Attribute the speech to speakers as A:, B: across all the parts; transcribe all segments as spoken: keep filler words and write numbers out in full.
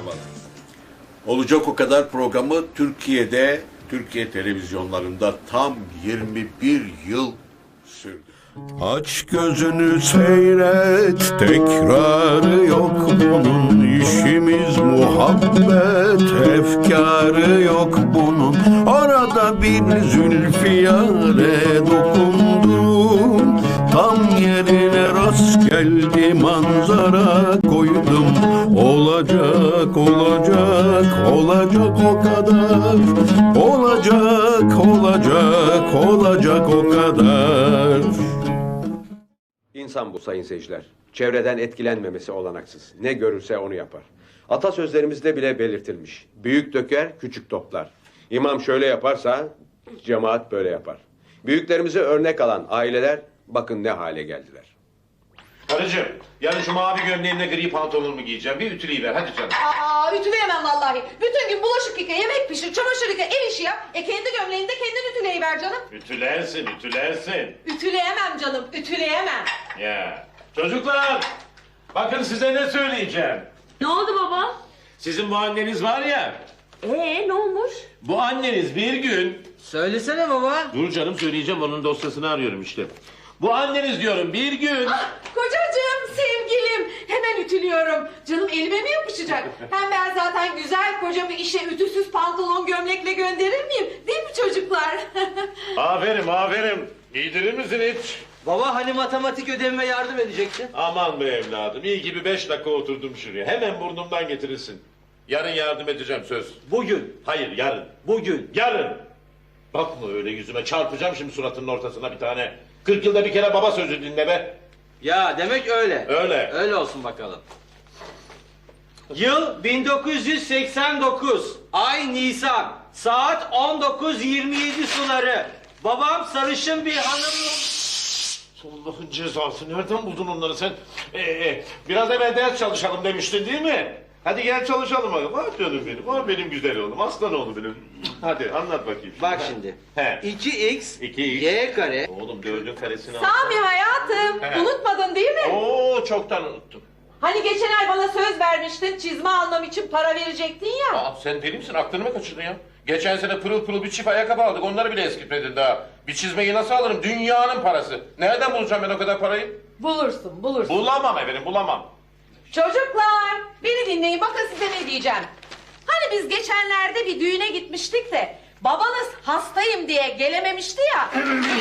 A: başlamadı. Olacak o kadar programı Türkiye'de, Türkiye televizyonlarında tam yirmi bir yıl sürdü. Aç gözünü seyret, tekrarı yok bunun. İşimiz muhabbet, efkarı yok bunun. Orada bir zülfiyare dokundum, tam yerine rast geldi manzara koydum. Olacak, olacak, olacak o kadar. Olacak, olacak, olacak o kadar.
B: İnsan bu sayın seyirciler. Çevreden etkilenmemesi olanaksız. Ne görürse onu yapar. Atasözlerimizde bile belirtilmiş. Büyük döker, küçük toplar. İmam şöyle yaparsa cemaat böyle yapar. Büyüklerimize örnek alan aileler bakın ne hale geldiler.
C: Karıcığım, yarın şu mavi gömleğimle gri pantolonumu giyeceğim. Bir ütüleyiver hadi canım.
D: Aa, ütüleyemem vallahi. Bütün gün bulaşık yıka, yemek pişir, çamaşır yıka, ev işi yap. E kendi gömleğini de kendin ütüleyiver canım.
C: Ütülersin, ütülersin.
D: Ütüleyemem canım, ütüleyemem.
C: Ya, çocuklar, bakın size ne söyleyeceğim.
E: Ne oldu baba?
C: Sizin bu anneniz var ya,
E: Ee ne olmuş?
C: bu anneniz bir gün...
F: Söylesene baba.
C: Dur canım söyleyeceğim, onun dosyasını arıyorum işte. Bu anneniz diyorum bir gün...
D: Ah, kocacığım, sevgilim. Hemen ütülüyorum. Canım elime mi yapışacak? Hem ben zaten güzel kocamı işe ütüsüz pantolon gömlekle gönderir miyim? Değil mi çocuklar?
C: Aferin, aferin. Giydirir misin hiç?
F: Baba hani matematik ödevime yardım edecektin?
C: Aman be evladım, iyi gibi beş dakika oturdum şuraya. Hemen burnumdan getirirsin. Yarın yardım edeceğim söz.
F: Bugün.
C: Hayır, yarın.
F: Bugün.
C: Yarın. Bakma öyle yüzüme, çarpacağım şimdi suratının ortasına bir tane. Kırk yılda bir kere baba sözü dinle be.
F: Ya demek öyle.
C: Öyle.
F: Öyle olsun bakalım. Yıl bin dokuz yüz seksen dokuz. Ay Nisan. Saat on dokuz yirmi yedi suları. Babam sarışın bir hanım...
C: Allah'ın cezası, nereden buldun onları sen? Ee, e, biraz evvel ders çalışalım demiştin değil mi? Hadi gel çalışalım bakalım. Ah canım benim, ah benim güzel oğlum, aslan oğlum benim. Hadi anlat bakayım.
F: Bak
C: Ha.
F: şimdi.
C: He.
F: iki x,
C: iki x.
F: y kare.
C: Oğlum dördün karesini al.
D: Sami hayatım,
C: He.
D: unutmadın değil mi?
C: Oo çoktan unuttum.
D: Hani geçen ay bana söz vermiştin, çizme almam için para verecektin ya.
C: Aa, sen deli misin? Aklını mı kaçırdın ya? Geçen sene pırıl pırıl bir çift ayakkabı aldık. Onları bile eskitmedin daha. Bir çizmeyi nasıl alırım? Dünyanın parası. Nereden bulacağım ben o kadar parayı?
D: Bulursun, bulursun.
C: Bulamam efendim, bulamam.
D: Çocuklar, beni dinleyin, bakın size ne diyeceğim. Hani biz geçenlerde bir düğüne gitmiştik de babanız hastayım diye gelememişti ya.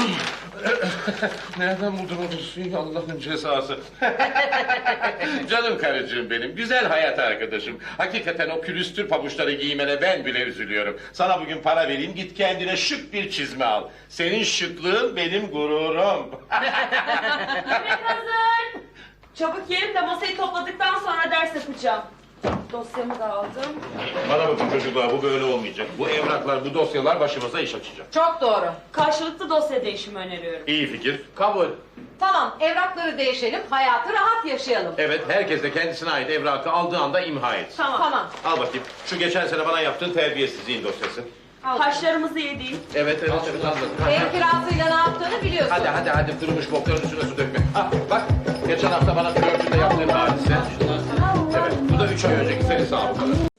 C: Nereden buldun o dosyayı? Allah'ın cezası. Canım karıcığım benim, güzel hayat arkadaşım. Hakikaten o külüstür pabuçları giymene ben bile üzülüyorum. Sana bugün para vereyim, git kendine şık bir çizme al. Senin şıklığın benim gururum.
E: Yemek hazır. Çabuk yiyelim de masayı topladıktan sonra ders yapacağım. Dosyamı da aldım.
C: Bana bakın çocuklar, bu böyle olmayacak. Bu evraklar, bu dosyalar başımıza iş açacak.
D: Çok doğru.
E: Karşılıklı dosya değişimi öneriyorum.
C: İyi fikir.
F: Kabul.
D: Tamam, evrakları değişelim, hayatı rahat yaşayalım.
C: Evet, herkes de kendisine ait evrakı aldığı anda imha etsin.
E: Tamam.
D: Tamam.
C: Al bakayım, şu geçen sene bana yaptığın terbiyesizliğin dosyası.
D: Al.
E: Haşlarımızı yediğim.
C: Evet, evet, evet, anladım.
D: Ev kirasıyla ne yaptığını biliyorsun.
C: Hadi, hadi, hadi, kurumuş bokların üstüne su dökme. Ah, bak, geçen hafta bana flörtünde yaptığın hadise. Evet, bu da üç ay önceki seni sağ ol.